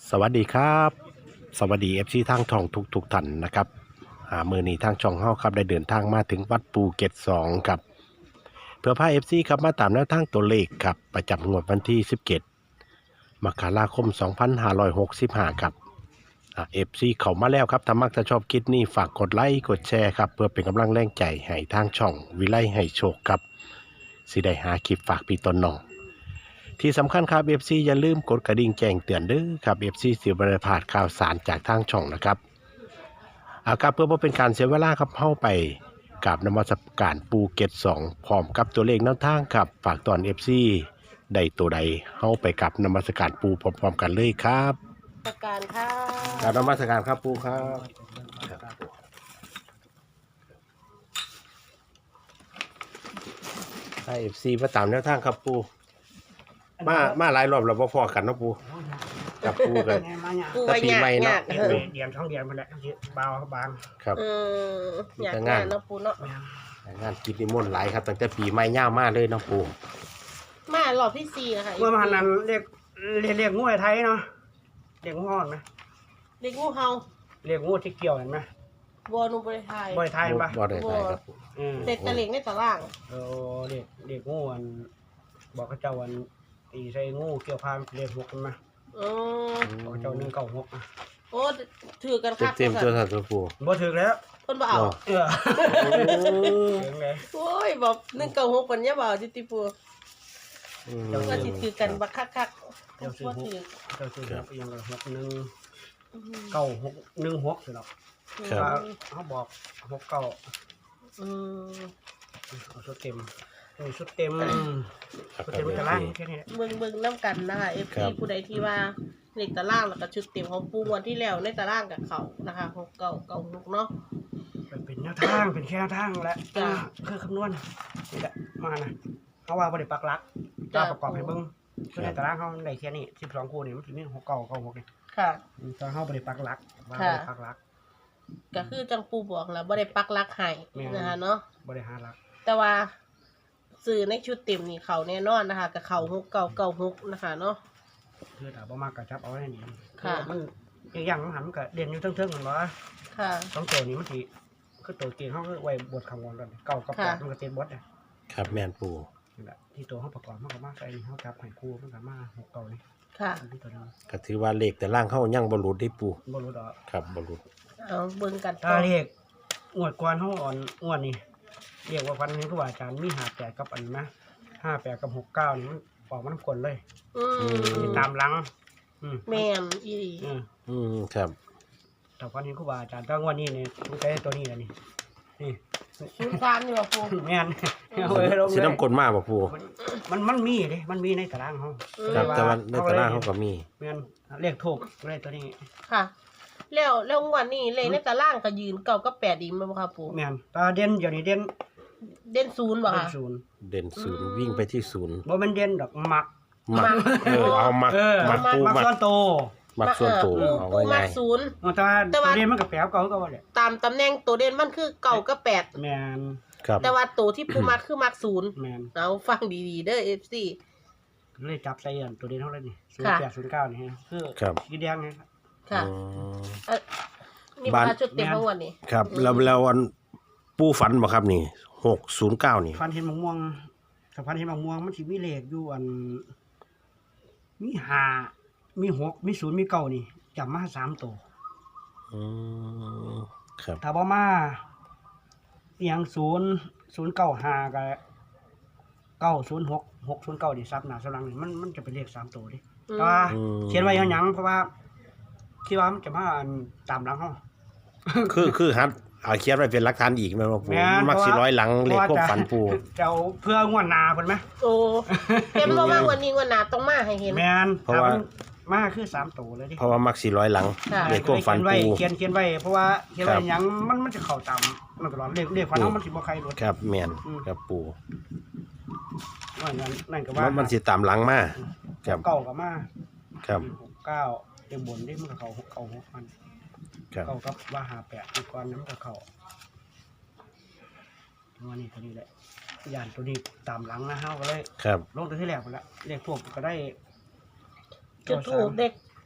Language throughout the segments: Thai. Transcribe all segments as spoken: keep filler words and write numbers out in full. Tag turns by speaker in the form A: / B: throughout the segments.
A: สวัสดีครับสวัสดีเอฟซีทางช่องทุกทุกท่านนะครับอ่ามือนี้ทางช่องเฮาครับได้เดินทางมาถึงวัดปูเกตสองครับเพื่อพาเอฟซีครับมาตามแนวทางตัวเลขครับประจำงวดวันที่สิบเจ็ดมกราคมสองพันห้าร้อยหกสิบห้าครับอ่าเอฟซีเข้ามาแล้วครับถ้ามักจะชอบคลิปนี้ฝากกดไลค์กดแชร์ครับเพื่อเป็นกำลังแรงใจให้ทางช่องวิไลให้โชคครับสิได้หาคลิปฝากพี่ต้นน้องที่สำคัญครับ เอฟ ซี อย่าลืมกดกระดิ่งแจ้งเตือนเด้อครับ เอฟ ซี สิบ่ได้พลาดข่าวสารจากทางช่องนะครับอาครับเพื่อบ่เป็นการเสียเวลาครับเข้าไปกับนมัสการปูเกตสองพร้อมกับตัวเลขแนวทางครับฝากตอน เอฟ ซี ได้ตัวใดเข้าไปกับนมัสการปูพร้อมๆกันเลยครับ
B: ประการค่ะ
A: กราบนมัสการครับปูครับให้ เอฟ ซี มาตามแนวทางครับปูมามาหลายรอบแล้วบ่พอกันเนาะปูกับปูกัน
B: ปู
A: แต่
B: ไว้
A: ปี
B: ยาก
A: ใหม่เนาะ
B: ยากเออ
C: เดียนช่องเดียนมันแหละเบาบาง
A: ครับ
B: เอออยาก
A: มีแต่
B: งาง
A: าน
B: นเนาะปูเนาะ
A: งานกิจนิมนต์หลายครับตั้งแต่ปีใหม่ย่าวมากเลยเนาะปู
B: มารอบที่สี่นะคะ
C: เมื่อมานั้นเรียกเรียกเรียกงูไทยเนาะเรียกงูห่อนไหม
B: เด็กงูเฮา
C: เรียกงูที่เกี่ยวเห็นไหม
B: วอนุบริไทย
C: บ่อยไทยปะ
A: บ่ได้ไทยครับปู
C: อืม
B: เด็กตะเล็งในตะล่าง
C: เออเรียกเรียกงูอันบอกเขาเจ้าวันตีใส่งูเกี่ยวพานเรียกหกกันมา
B: เออ
C: บอกเขาเจ้าหนึ่งเก้าหกนะ
B: โอ้ถือกันคัก
A: เต็มๆตัวท่านตัวปู
C: บ่ถึกแล้ว
B: คนบ่เอา
A: เนาะ
C: เออถึงเลย
B: โอ้ยบอกหนึ่งเก้าหกคนเนี้ยบ่เอาจิติปู
A: อืม
B: ก็สิถือกันบักคักคัก
C: เจ้าซื้อ
B: ว่า
C: หก
B: ถือ
C: เจ้าซื้อหกยังไงหกหนึ่ง
B: อืม
C: เก้าหกหนึ่งหกสิหรอก
A: ครับ
C: เขาบอกหกเก้า
B: อืม
C: เอาชุดเต็มนี่ชุดเต็ม
A: ครับ
C: ชุดเต็มมันจะล่างแค่นี้แหละ
B: เบิ่งเบิ่งน้ำกันนะคะเอฟ
A: ครั
B: ซี
A: บ
B: ผู้ใดที่ว่าเด็กตะล่างแล้วก็ชุดเต็มของปูงวันที่แล้วในตะล่างกับเขานะคะหกเก้าเก้าหกเนาะ
C: มันเป็นแนวทางเป็นแค่แนวทางแหละ
B: จ้ะ
C: คือคำนวณนี่แหละมานะเขาว่าบริปักหลัก
B: จ้ะ
C: มาประกอบให้เบิ้งคือในตารางเขาในแค่นี้สิบสองคู่นี่มันจะมีหกเก้าเก้าหกนี่
B: ค่ะ
C: ตอนเขาบริปักหลักว่า
B: ค่ะ
C: บริปักหลัก
B: ก็คือจังปูบอกแล้วบ่ได้ปักหลักให้
C: แม่น
B: นะคะเนาะ
C: บริหารหลัก
B: แต่ว่าสื่อในชุดเต็มนี่เขาแน่นอนนะคะกับเขาหกเก้าเก้าหกนะคะเนาะ
C: คือถ้าบ่มากกระจับเอาได้นี่
B: ค่ะ
C: มันอย่างมันหันมันก็เด่นอยู่เทิงๆเหมือนว่า
B: ค่ะ
C: สองตัวนี้มันทีคือตัวเก่งเขาคือไว้บทคำวอนกันเก่ากับแปด
B: ค่ะ
C: มันก็เต็มบทเนี่ย
A: ครับแม่นปู
C: นี่แหละที่ตัวเขาประกอบมันก็มากใส่นี่เขาจับให้คู่มันก็มาหกเก้านี่
B: ค่ะ
C: อันที่ตัวนี้
A: ก็ถือว่าเลขแต่ล่างเข้ายังบ่หลุดได้ปู
C: บ่รู้ดอก
A: ครับบ่หลุด
B: เอาเบิ่งกัน
C: ถ้าเรียกงวดกวนเขาอ่อนงวดนี่เรียกว่าฟันนี้ก็ว่าอาจารย์มีหาแปดกับอันนะห้าแปดกับหกเก้านี่มันออกมันกลเลย
B: อืม
C: ตามหลัง อืม
B: แม่นอีหลี
C: อืม
A: อืมครับ
C: แต่ฟันนี้ก็ว่าอาจารย์ตั้งวันนี้เนี่ยต้องใช้ตัวนี้แหละนี่นี่
B: ศูนย์สามนี่บ่ปู
C: แม่นเอาไว้ลง
A: สิ
C: เลย
A: น้ำกลมาบ่ปู
C: มันมันมีเลยมันมีในตารางเขา
A: ครับแต่ว่าในตารางเขาก็มี
C: แม่นเรียกถูกเลขตัวนี้
B: ค่ะ แล้วแล้วงวันนี้เลยในตะล่างก็ยืนเก้ากับแปดอีกมั้ยบ่คะปู
C: แม่นตาเด่นเดี๋ยวนี้เด่น
B: เด่นศูนย์บ่
C: เด่น
B: คะ
C: ศูนย์
A: เด่นศูนย์วิ่งไปที่ศูนย์
C: บ่แมันเด่นดอกมัก
A: มักเออเอามัก
C: เออ
A: มักปู
C: มัก
A: มัก
C: ส่วนโตว
A: มักส่วนตัว
B: ปู
A: เอา
B: ปูมั
A: ง่าก ย
B: ศูนย์
C: แต่ว่า
B: แต่
C: ตัว
B: ว่า
C: เด่นมันก็แปลวเก่าก็ว่าแหละ
B: ตามตำแหน่งตัวเด่นมันคือเก้ากับแปด
C: แม่น
A: ๆครับ
B: แต่ว่าตัวที่ปูมักคือมักศูนย์
C: แม่น
B: เอาฟังดีๆเด้อ เอฟ ซี
C: เลยจับใส่อันตัวเด่นเท่าไหร่นี่ศูน
B: ค่ะ
C: ย์แปดศูนย์เก้านี่ฮะคือ
A: ครับ
C: สีแดงไงครับ
B: ค่ะ
A: อืม
B: เอ่อนี่
A: บ้าน
B: มาชุดเต็มทั้งวันนี้
A: ครับแล้วแล้วอันปูฝันบ่ครับนี่หกศูนย์เก้านี่
C: ฟันเห็นมะม่วงถ้าฟันเห็นมะม่วงมันสิมีเลขอยู่อัน มีห้ามีหกมีศูนย์มีเก้านี่จับมาสามตัว
A: อืมครับ
C: ถ้าบ่มาเอียงศูนย์ศูนย์เก้าห้ากับเก้าศูนย์หกหกศูนย์เก้าดิซับหน้าสลังนี่มันมันจะเป็นเลขสามตัวดิ
B: อืม
C: แต่ว่า
A: อืม
C: เขียนไว้ยังหยังเพราะว่าคิดว่ามันจะมาอันตามหลังเฮา
A: คือคือฮัดเอาเขียนไว้เป็นหลักฐานอีกแม่นบ่ปู
C: แม่น
A: มักสิร้อยหลังเลขควบฝันปู
C: เจ้าเพื่องวดหน้าเพิ่นไหม
B: โอ้เต็มบ่มากวันนี้วันหนาต้องมาให้เห็น
C: แม่น
A: เพราะว่า
C: ถ้มันมาคือสามตัวเลยดิ
A: เพราะว่ามักสิร้อยหลัง
B: ค่ะ
A: เลขควบฝัน
C: เขียนไว้
A: ปู
C: เขียนเขียนไว้เพราะว่าเขียนไว้
A: ครับ
C: หยังมันมันจะเข้าตามมันตลอดเลขเลขฝันเฮามันสิบ่ใครรถ
A: ครับแม่น
C: อืม
A: ครับปู
C: ว่านั่นนั่นก็
A: มั
C: ว่าน
A: มันสิตามหลังมาครับ
C: เก้าก็มา
A: ครับ
C: หกเก้าเต็มบนดิมันก็เข้าหกเก้าหกพัน
A: ครับ
C: เก้ากับว่าหาแปดอีกก่อนนั้นมันก็เข้าว่านี่ตัวนี้แหละย่านตัวนี้ตามหลังนะเฮาก็เลย
A: ครับ
C: ลงตัวที่แรกไปละเลขพวกก็ได้
B: จุดถูกเด็ก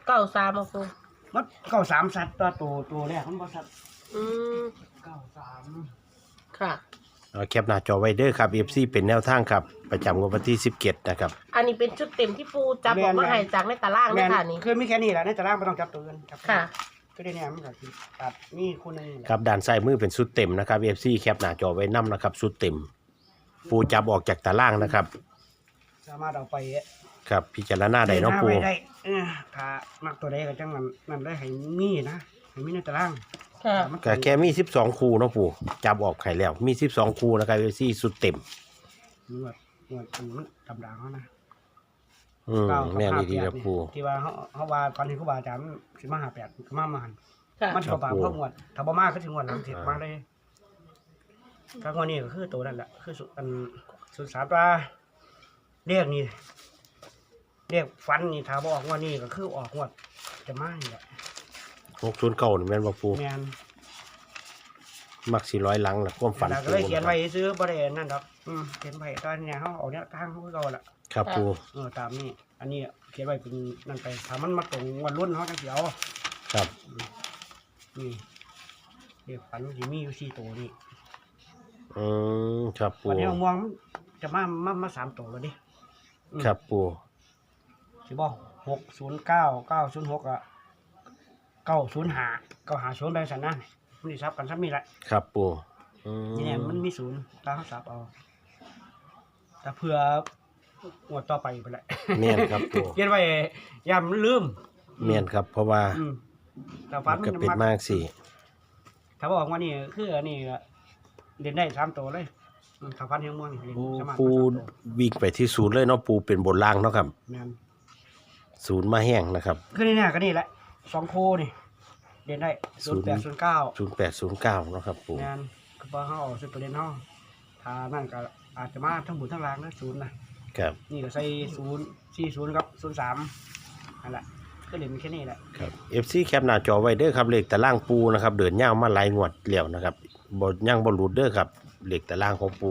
B: เก้าสามมาปู
C: มันเก้าสามสัตว์ตัวตัวตัวแรกมันบ่สัตว์
B: อืม
C: เก้าสาม
B: ค่ะ
A: เอาแคปหน้าจอไว้เด้อครับ เอฟ ซี เป็นแนวทางครับประจำงวดวันที่สิบเจ็ดนะครับ
B: อันนี้เป็นชุดเต็มที่ปูจับออกมาให้จากในตาราง
C: แม่
B: นะ
C: น
B: คะนี่
C: คือมีแค่นี้แหละในตารางไม่ต้องจับตัวอื่นจับตัว
B: ค่ะ
C: ก็ได้เนี่ยมันก็สิตัดนี่คู่หนึงแหละ
A: ครับด้านซ้ายมือเป็นชุดเต็มนะครับ เอฟ ซี แคปหน้าจอไว้นํนะครับชุดเต็ม ปูจับออกจากตารางนะครับ
C: สามารถเอาไป
A: ครับพิจารณาได้เนาะปู
C: ไว้ได้เออถ้ามักตัวใดก็จังมันนั่นได้ให้มีนะให้มีในตาราง
B: ค่ะ
A: ก็แค่มีสิบสองคู่เนาะปูจับออกไข่แล้วมีสิบสองคู่นะครับ เอฟ ซี ชุดเต็ม
C: นวดนวดอันมันธรรมดาเขานะ
A: อืมแม่นดีครับปู
C: ที่ว่าเขาเขาว่าตอนนี้ครูบาอาจารย์สิมาหาแปดก็มามาหัน
B: ค่ะ
C: มันสิบ่ปากเพิ่มงวดถ้าบ่มาก็ถึงงวดหลังสิมาได้ถ้างวดนี้ก็คือตัวนั่นแหละคือสุดอันสุดสามตัวเรียกนี่เรียกฟันนี่ถ้าบ่ออกงวดนี้ก็คือออกงวดจะมานี่แหละ
A: หกศูนย์เก้านี่แม่นบ่ปู
C: แม่น
A: มักสี่ร้อยหลังล่ะความฝัน
C: แล้วก็เลยเขียนไว้ซื้อบ่ได้นั่นดอกอืมเขียนไว้ตอนเนี้ยเฮาเอาเนี่ยทางเขาคือเก่าล่ะ
A: ครับปู
C: เออตามนี้อันนี้เขียนไว้เป็นนั่นไปถ้ามันมาตรงวันรุ่นเฮาจังสิเอา
A: ครับ
C: นี่เรียกฟันสิมีอยู่สี่ตัวนี่
A: อืมครับปู
C: วันนี้มองมันจะมามามาสามตัวแล้วดิอืม
A: ครับปู
C: สิบอกหกศูนย์เก้าเก้าศูนย์หกอะเก้าศูนย์หาเก้าหาศูนย์ไปสันนั่นมันสิซับกันซับมีแหละ
A: ครับปูอืม
C: นี่เนี่ยมันมีศูนย์ตามเขาซับเอาแต่เพื่อหมวดต่อไปไปแหละ
A: แม่นครับปู
C: เขียนไว้ยามลืม
A: แม่นครับ เพราะว่า
C: อืมแต่ฟั
A: มัน นก็เป็นมากสิ
C: ถ้าบอกว่านี่คืออันนี้ก็เรียนได้สามตัวเลยอืมถ้าฟันเฮียงม่วงนี่เรียน
A: ปู
C: สามารถ
A: ปู
C: ฟันสามตัว
A: วิ่งไปที่ศูนย์เลยเนาะปูเป็นบนล่างเนาะครับ
C: แม่น
A: ศูนย์มาแห้งนะครับ
C: คือนี่เนี่ยก็นี่แหละสองโคนี่เรียนได้
A: ศู
C: ศูน
A: นย์
C: ย์แปดศูนย์เก้า
A: ศูนย์แปดศูนย์เก้าเนาะครับปู
C: งานก็พอเขาเอาสุดประเด็นเขาถ้านั่นก็อาจจะมาทั้งบุญทั้งรางนะศูนย์นะครับ นี่ก็ใส่ศูนย์สี่ศูนย์กับศูนย์สามนั่นแหละก็เรียนมีแค่นี้แหละ
A: ครับ เอฟ ซี แคปหน้าจอไว้เด้อครับเลขตารางปูนะครับเดินยาวมาหลายงวดแล้วนะครับบ่ย่างบ่หลุดเด้อครับเลขตารางของปู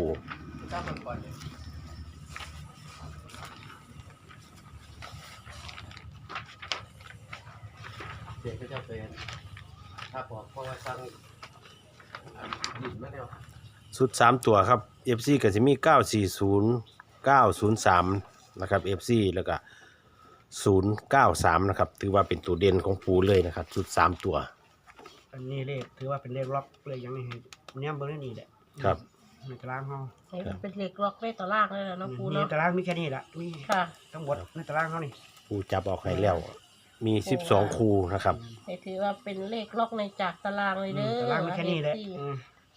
D: เสียก็จะเป็นถ้าบอกเพราะว่าสร้างดินมาแล้ว
A: สุดสามตัวครับ เอฟ ซี ก็สิมีเก้าสี่ศูนย์ เก้าศูนย์สามนะครับ เอฟ ซี แล้วก็ศูนย์เก้าสามนะครับถือว่าเป็นตัวเด่นของปูเลยนะครับสุดสามตัว
C: อันนี้เลขถือว่าเป็นเลขล็อกเลยอย่างนี้เนี่ยเบอร์นี่แหละ
A: ครับ
C: ในตารางเขา
B: ให้มันเป็นเหล็กล็อกในตารางเลยนะเนาะปู
C: มี
B: เนาะ
C: ตารางมีแค่นี้แหละมี
B: ค่ะ
C: ทั้งหมดในตารางเขานี่
A: ปูจับออกให้แล้ว มีสิบสองคู่นะครับ
B: ให้ถือว่าเป็นเลขล็อกในจากตารางเลยเด้อ
C: ตารางมีแค่นี้แหละ
B: เอฟซี
C: อืม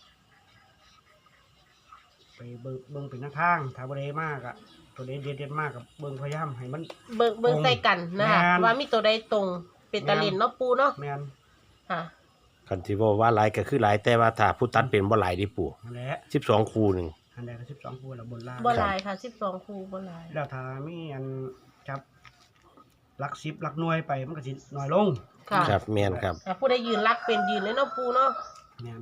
C: ไปเบิ่งเบิ่งเป็นหน้าทางถ้าบริมากอะตัวเด่นเด่นๆมากกับเบิ่งพยายามให้มัน
B: เบิ่งเบิ่งใส่กันนะคะ
C: แม่น
B: ว่ามีตัวใดตรงเป็นตะลินเนาะปูเนาะ
C: แมน
B: ค่ะ
A: คันที่ว่าว่าหลายก็คือหลายแต่ว่าถ้าผู้ตัดเป็นบ่หลายดิปู่
C: นั่นแหละ
A: สิบสองคู่หนึ่ง
C: อันใดก็สิบสองคู่แล้วบนล่าง
B: บ่หลายค่ะสิบสองคูบ่หลาย
C: แล้วถ้ามีอันจับหลักสิบหลักหน่วยไปมันก็สิน้อยลง
B: ค่ะ
A: ครับแม่นครับ
B: อ่ะผู้ใดยืนรักเป็นยืนเลยเนาะปูเนาะ
C: แมน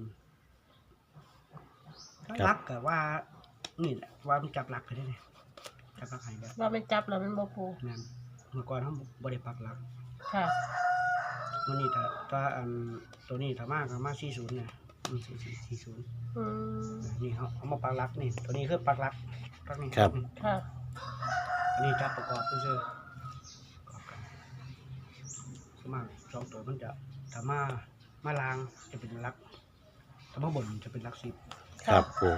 C: หลักก็ว่านี่แหละว่ามันจับหลักไปได้เลยจับหลักให้แบบ
B: ว่ามันจับแล้วมันบ่ปู
C: แมนเมื่อก่อนเขาบริปักหลัก
B: ค่ะ
C: วันนี้ถ้าถ้าอันตัวนี้ถ้ามากก็มาสี่ศูนย์เนี่ยสี่สี่สี่ศูนย์
B: อืม
C: นี่เขาเอามาปักหลักนี่ตัวนี้คือปักหลักปักนี่
A: ครับ
B: ค่ะ
C: อันนี้จับประกอบเซื่อๆประกอบกันสวนมากสองตัวมันจะถ้ามามาลางจะเป็นหลักถ้ามาบนจะเป็นหลักสิบ
A: ครับปู่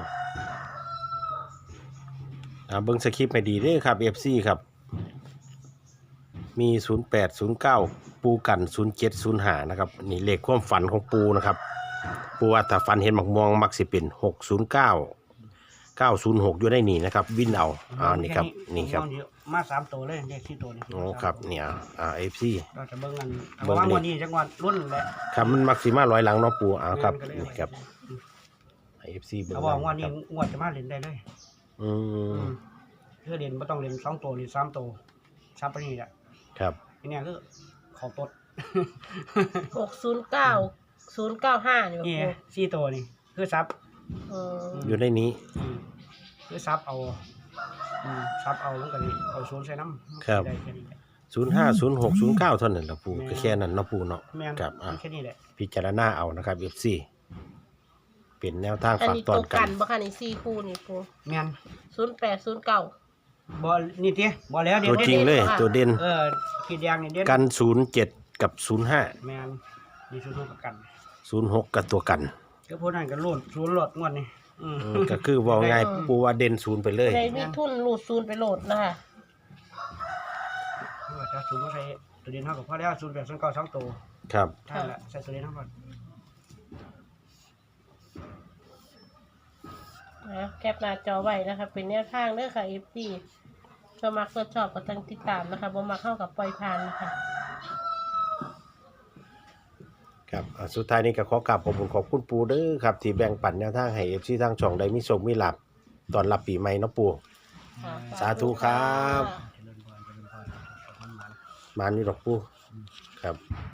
A: อ่าเบิ่งสคริปต์ให้ดีเด้อครับ เอฟ ซี ครับ มีศูนย์แปด ศูนย์เก้าปูกันศูนย์เจ็ด ศูนย์ห้านะครับนี่เลขความฝันของปูนะครับปูว่าถ้าฝันเห็นหมอกม่วงมักสิเป็นหกศูนย์เก้า เก้าศูนย์หกอยู่ในนี่นะครับ วินเอาอ่านี่ครับนี่ครับ
C: มาสามตัวเลยเลขที่ตัวนี้
A: โอ้ครับเนี่ยอ่า เอฟ ซี
C: เราจะเบิ่งกัน
A: เบิ่
C: เอา
A: ง
C: ว่า
A: เลข
C: วันนี้จังหวัดรุ่นแหละ
A: ครับมันมักสิมาร้อยหลังเนาะปูอ่าครับ
C: ก็เลย
A: นี่ครับ เอฟ ซี เบิ่ง
C: เขาบอกว่านี่งวดจะมาเล่นได้เลย
A: อืม
C: เพื่อเล่นไม่ต้องเล่นสองตัวหรือสามตัวซับไปนี่แหละ
A: ครับ
C: อันเนี้ยคือขอตด
B: หกศูนย์เก้า ศูนย์เก้าห้านี่บ่
C: นี่
B: ปู
C: สี่ตัวนี่คือซับ
B: เออ
A: อยู่ในนี้
C: อืมคือซับเอาอืมซับเอาแล้วก็นี่เอาศูนย์ใส่น้ำ
A: ครับ
C: ได้แค่นี้แหละ
A: ศูนย์ห้าศูนย์หกศูนย์เก้าเท่านั้นละปูก็แค่นั้นเนาะปูเนาะ
C: แม่น
A: ครับอ่ะ
C: แค่นี้แหละ
A: พิจารณาเอานะครับ เอฟ ซี เป็นแนวทาง
B: อัน
A: ฝาก
B: นี้
A: ต
B: ต
A: อ
B: ร
A: น
B: ง
A: กั
B: กัน นบ่ค่ะนี่สี่คู่นี่ปู
C: แม่น
B: ศูนย์แปดศูนย์เก้า
C: บ่นี่ติบ่แล้วเดี๋ย
A: ตัว ว
C: เดี๋ยว
A: จริงเลย
B: ค่ะ
A: ตัวเด่น
C: เออขีดแดงนี่เด่น
A: กันศูนย์เจ็ดกับศูนย์ห้า
C: แม่นมีศูนย์หกกับกัน
A: ศูนย์หกกับตัวกัน
C: ก็พวกนั้นก็โลดศูนย์โลดงวดนี่อืม
A: อืมก็คือว่าง่ายปูว่าเด่นศูนย์ไปเลย
B: ในมีทุนรูดศูนย์ไปโหลดนะคะ
C: ว่าจะศูนย์มาใส่ตัวเด่นเท่ากับพอแล้วศูนย์แปดศูนย์เก้าสองตัว
A: ครับ
C: ท่านละใส่ตัวเด่นเท่าก่อน
B: นะแคปหน้าจอไว้นะคะ เป็นแนวทางเด้อค่ะ เอฟ ซี ชอบมักชอบชอบก็ต้องติดตามนะคะบ่มักเข้ากับปล่อยผ่านนะคะ
A: ครับอ่ะสุดท้ายนี้ก็ขอกราบขอบคุณขอบคุณปูเด้อครับ ที่แบ่งปันแนวทางให้ เอฟ ซี ทางช่องได้มีโชคมีลาภตอนรับปีใหม่เนาะปู
B: ค่ะ
A: สาธุครับ
C: เจริญพรเจริญพรขอบคุณมาก
A: มานี่ดอกปูครับ